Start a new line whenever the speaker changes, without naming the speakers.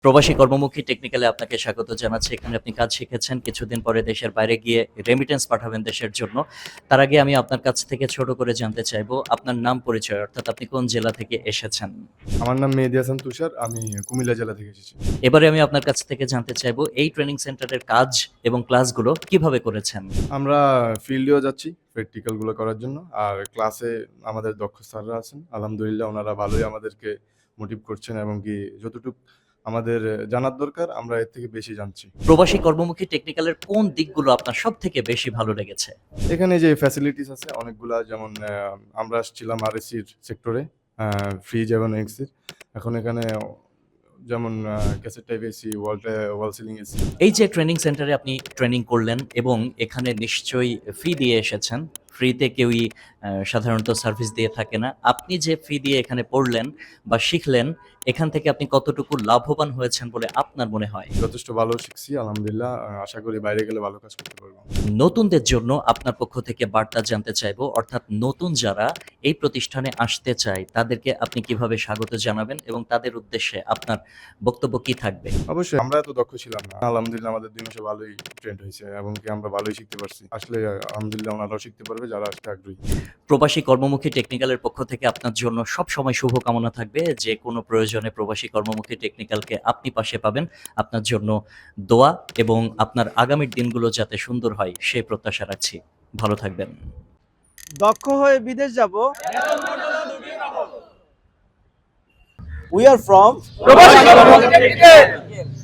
প্রবাসী কর্মমুখী টেকনিক্যালে আপনাকে স্বাগত জানাচ্ছি। এখানে আপনি কাজ শিখেছেন। কিছুদিন পরে দেশের বাইরে গিয়ে রেমিটেন্স পাঠাবেন দেশের জন্য। তার আগে আমি আপনার কাছ থেকে ছোট করে জানতে চাইবো আপনার নাম পরিচয় অর্থাৎ আপনি কোন জেলা থেকে এসেছেন?
আমার নাম মেহেদী হাসান তুষার। আমি কুমিল্লা জেলা থেকে এসেছি।
এবারে আমি আপনার কাছ থেকে জানতে চাইবো এই ট্রেনিং সেন্টারের কাজ এবং ক্লাসগুলো কিভাবে করেছেন?
আমরা ফিল্ডেও যাচ্ছি প্র্যাকটিক্যাল গুলো করার জন্য। আর ক্লাসে আমাদের দক্ষ স্যাররা আছেন। আলহামদুলিল্লাহ ওনারা ভালোই আমাদেরকে মোটিভ করছেন এবং কি যতটুক আমাদের জানার দরকার আমরা এর থেকে বেশি জানছি।
প্রবাসী কর্মমুখী টেকনিক্যালের কোন দিকগুলো আপনার সবথেকে বেশি ভালো লেগেছে?
এখানে যে ফ্যাসিলিটিস আছে অনেকগুলা, যেমন আমরা আসছিলাম আরএসির সেক্টরে, ফ্রিজ এবং এক্সির। এখন এখানে যেমন cassette type AC, wall ceiling AC.
এই যে ট্রেনিং সেন্টারে আপনি ট্রেনিং করলেন এবং এখানে নিশ্চয়ই ফি দিয়ে এসেছেন। ফ্রিতে কেউই সাধারণত সার্ভিস দিয়ে থাকে না। আপনি যে ফি দিয়ে এখানে পড়লেন বা শিখলেন, এখান থেকে আপনি কতটুকু লাভবান হয়েছেন বলে আপনার মনে হয়?
যথেষ্ট ভালো শিখছি আলহামদুলিল্লাহ। আশা করি বাইরে গেলে ভালো কাজ করতে পারবো।
নতুনদের জন্য আপনার পক্ষ থেকে বার্তা জানতে চাইবো, অর্থাৎ নতুন যারা এই প্রতিষ্ঠানে আসতে চায় তাদেরকে আপনি কিভাবে স্বাগত জানাবেন এবং তাদের উদ্দেশ্যে আপনার বক্তব্য কি থাকবে?
অবশ্যই আমরা এত দক্ষ ছিলাম না। আলহামদুলিল্লাহ আমাদের ২ মাসে ভালোই ট্রেন্ড হয়েছে এবং কি আমরা ভালোই শিখতে পারছি। আসলে আলহামদুলিল্লাহ ওনারাও শিখতে পারবে যারা আসতে আগ্রহী।
প্রবাসী কর্মমুখী টেকনিক্যালের পক্ষ থেকে আপনার জন্য সবসময় শুভকামনা থাকবে। যে কোনো প্রয়োজনে প্রবাসী কর্মমুখী টেকনিক্যালকে আপনি পাশে পাবেন। আপনার জন্য দোয়া এবং আপনার আগামীর দিনগুলো যাতে সুন্দর হয় সেই প্রত্যাশা রাখছি। ভালো থাকবেন।
দক্ষ হয়ে বিদেশ যাব। উই আর ফ্রম প্রবাসী কর্মমুখী টেকনিক্যাল।